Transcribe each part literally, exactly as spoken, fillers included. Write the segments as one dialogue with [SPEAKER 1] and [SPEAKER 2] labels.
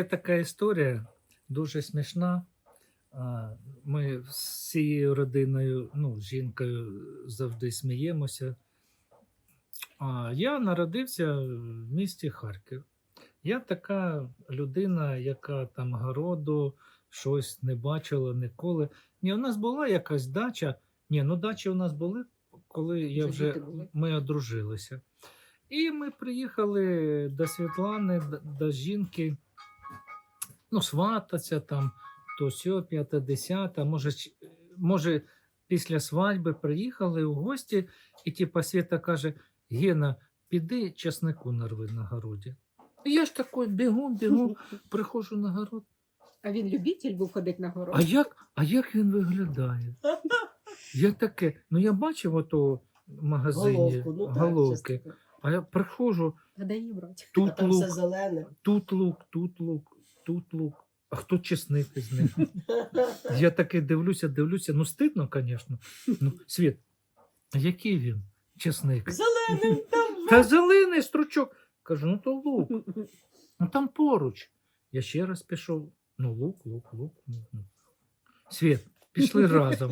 [SPEAKER 1] є така історія, дуже смішна. А, Ми з цією родиною, ну, з жінкою завжди сміємося. А я народився в місті Харків. Я така людина, яка там городу, щось не бачила ніколи. Ні, у нас була якась дача. Ні, ну дачі у нас були, коли я
[SPEAKER 2] Вже
[SPEAKER 1] вже,
[SPEAKER 2] діти були.
[SPEAKER 1] ми одружилися. І ми приїхали до Світлани, до, до жінки, ну, свататься там, то сьо, п'яте, десяте, може, ч- може, після свадьби приїхали у гості, і типа Свята каже: Гена, піди часнику нарви на городі. І я ж такий бігу, бігу, приходжу на город.
[SPEAKER 2] А він любитель був ходити на город?
[SPEAKER 1] А як, а як він виглядає? Я таке, ну я бачив ото в магазині
[SPEAKER 3] Головку, ну так,
[SPEAKER 1] головки,
[SPEAKER 3] часто.
[SPEAKER 1] а я приходжу,
[SPEAKER 2] А де її брати?
[SPEAKER 3] А
[SPEAKER 1] тут
[SPEAKER 3] там
[SPEAKER 1] лук,
[SPEAKER 3] все зелене.
[SPEAKER 1] тут лук, тут лук, тут лук. А хто чесник із них? Я таки дивлюся, дивлюся. Ну, стидно, звісно. Ну, Світ, а який він? Чесник.
[SPEAKER 3] Зелений там.
[SPEAKER 1] Та зелений стручок. Кажу, ну то лук. Ну там поруч. Я ще раз пішов. Ну, лук, лук, лук. ну, ну. Світ, пішли разом.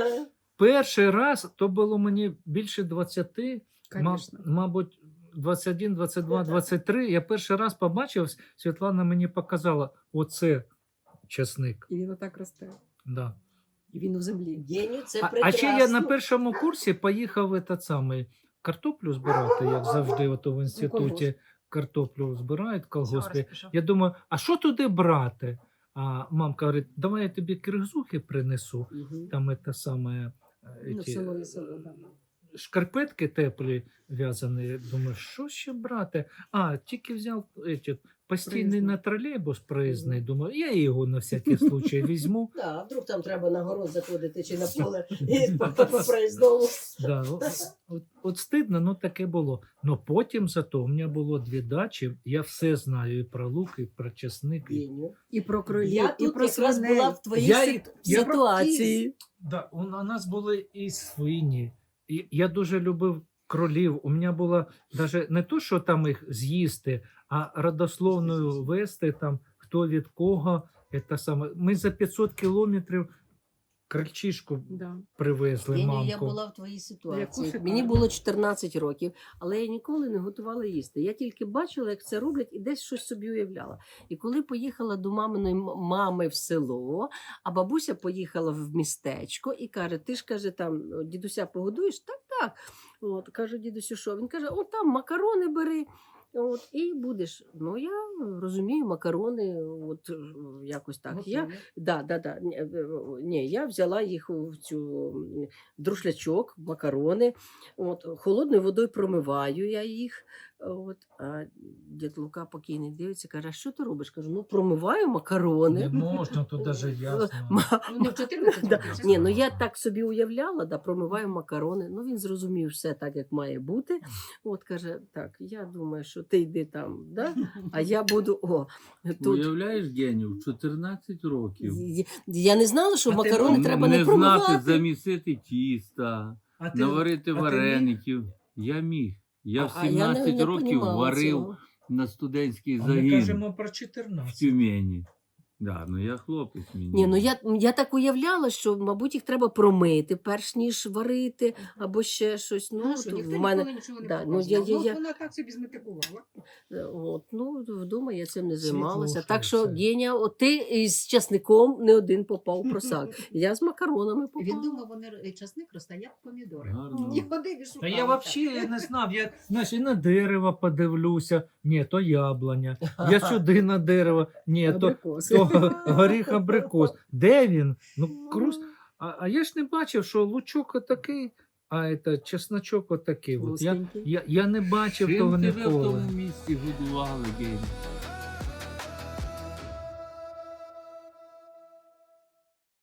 [SPEAKER 1] Перший раз то було мені більше двадцяти, ма-
[SPEAKER 2] Конечно.
[SPEAKER 1] мабуть, двадцять один, двадцять два, двадцять три. Я перший раз побачив, Світлана мені показала, оце чесник.
[SPEAKER 2] І він отак росте.
[SPEAKER 1] Да.
[SPEAKER 2] І він у землі.
[SPEAKER 3] Геню, це
[SPEAKER 1] А, а
[SPEAKER 3] прекрасно.
[SPEAKER 1] ще я на першому курсі поїхав в этот самий картоплю збирати, як завжди, ото в інституті
[SPEAKER 2] колгосп.
[SPEAKER 1] картоплю збирають в колгоспі. Я думаю, а що туди брати? А мамка говорить, давай я тобі киргизухи принесу.
[SPEAKER 3] Мгм.
[SPEAKER 1] Там це саме
[SPEAKER 2] Ну,
[SPEAKER 1] ті,
[SPEAKER 2] село і село, да.
[SPEAKER 1] шкарпетки теплі в'язані. Думаю, що ще брати? А, тільки взяв еті, постійний
[SPEAKER 2] Проїзний.
[SPEAKER 1] на тролейбус проїзний. Думаю, я його на всякий случай візьму.
[SPEAKER 3] Да, а вдруг там треба на город заходити чи на поле і по, по проїзному.
[SPEAKER 1] Да, от, от, от стидно, ну таке було. Но потім зато у мене було дві дачі, я все знаю і про лук, і про чесник. І...
[SPEAKER 3] Геню.
[SPEAKER 2] І про кролів,
[SPEAKER 3] Я
[SPEAKER 2] і
[SPEAKER 3] тут
[SPEAKER 2] про
[SPEAKER 3] якраз
[SPEAKER 2] свиней.
[SPEAKER 3] була в твоїй
[SPEAKER 1] Я-
[SPEAKER 3] сит-
[SPEAKER 1] я-
[SPEAKER 3] ситуації.
[SPEAKER 1] Да, у, у нас були і свині. І я дуже любив кролів. У мене було навіть не то, що там їх з'їсти, а родословною вести, там, хто від кого. Це саме. Ми за п'ятсот кілометрів крольчишку
[SPEAKER 2] Да.
[SPEAKER 1] привезли,
[SPEAKER 3] Геню,
[SPEAKER 1] мамку.
[SPEAKER 3] я була в твоїй ситуації.
[SPEAKER 2] шикарну.
[SPEAKER 3] Мені було чотирнадцять років, але я ніколи не готувала їсти. Я тільки бачила, як це роблять, і десь щось собі уявляла. І коли поїхала до маминої м- мами в село, а бабуся поїхала в містечко і каже: ти ж каже, там дідуся погодуєш? Так, так. От каже дідусю, що він каже: о, там макарони бери. От, і будеш. Ну, я розумію, макарони, от е, якось так. Я, да, да, да. Ні, е, ні, я взяла їх в цю м, друшлячок, макарони. От, холодною водою промиваю я їх. От, а дід Лука покійний дивиться, каже: а що ти робиш? Кажу, ну промиваю макарони.
[SPEAKER 1] Не можна, то навіть я знаю.
[SPEAKER 3] Ма-
[SPEAKER 2] Ну, не в чотирнадцять
[SPEAKER 3] Да.
[SPEAKER 2] років.
[SPEAKER 3] Ні, ну я так собі уявляла, да, промиваю макарони. Ну він зрозумів все так, як має бути. От каже: так, я думаю, що ти йди там, да? А я буду. О, тут.
[SPEAKER 4] Уявляєш, Геню, в чотирнадцять років.
[SPEAKER 3] Я- Я не знала, що
[SPEAKER 1] А ти
[SPEAKER 3] макарони
[SPEAKER 1] не
[SPEAKER 3] треба не,
[SPEAKER 4] не
[SPEAKER 3] промивати.
[SPEAKER 4] знати замісити тіста,
[SPEAKER 1] А ти-
[SPEAKER 4] наварити
[SPEAKER 1] а ти
[SPEAKER 4] вареників. Я міг. Я в
[SPEAKER 3] А я не-
[SPEAKER 4] сімнадцять
[SPEAKER 3] не
[SPEAKER 4] років
[SPEAKER 3] понімала
[SPEAKER 4] варив
[SPEAKER 3] цього.
[SPEAKER 4] на студентський
[SPEAKER 1] А ми
[SPEAKER 4] загін
[SPEAKER 1] кажемо про
[SPEAKER 4] в
[SPEAKER 1] чотирнадцять.
[SPEAKER 4] Тюмені. Да, ну я хлопець мені.
[SPEAKER 3] Ні, ну я, я так уявляла, що, мабуть, їх треба промити, перш ніж варити, або ще щось. Ну,
[SPEAKER 2] Ну, що,
[SPEAKER 3] то
[SPEAKER 2] ніхто
[SPEAKER 3] в мене,
[SPEAKER 2] ніколи нічого не
[SPEAKER 3] да, ну,
[SPEAKER 2] показував.
[SPEAKER 3] я- я-
[SPEAKER 2] Ну,
[SPEAKER 3] я-
[SPEAKER 2] вона так собі зметикувала.
[SPEAKER 3] Е, От, ну, вдома я цим не
[SPEAKER 1] Світло
[SPEAKER 3] займалася.
[SPEAKER 1] що
[SPEAKER 3] Так що,
[SPEAKER 1] це?
[SPEAKER 3] Геня, от ти із часником не один попав у просак. Я з макаронами попала.
[SPEAKER 2] Він думав, вони р- часник росте, як помідори.
[SPEAKER 4] Гарно.
[SPEAKER 2] І ходив і шукав.
[SPEAKER 1] Та я взагалі не знав. Я знаєш, і на дерево подивлюся. Ні, то яблуня. Я сюди на дерево. Ні, то,
[SPEAKER 2] Абрикоси.
[SPEAKER 1] то горіх абрикос. Де він? Ну, крус. А, а я ж не бачив, що лучок отакий, а це чесночок отакий. От. Я,
[SPEAKER 3] Густенький.
[SPEAKER 1] я, я не бачив
[SPEAKER 4] Чим
[SPEAKER 1] того
[SPEAKER 4] тебе в
[SPEAKER 1] ніколи.
[SPEAKER 4] тому місці годували, Геню?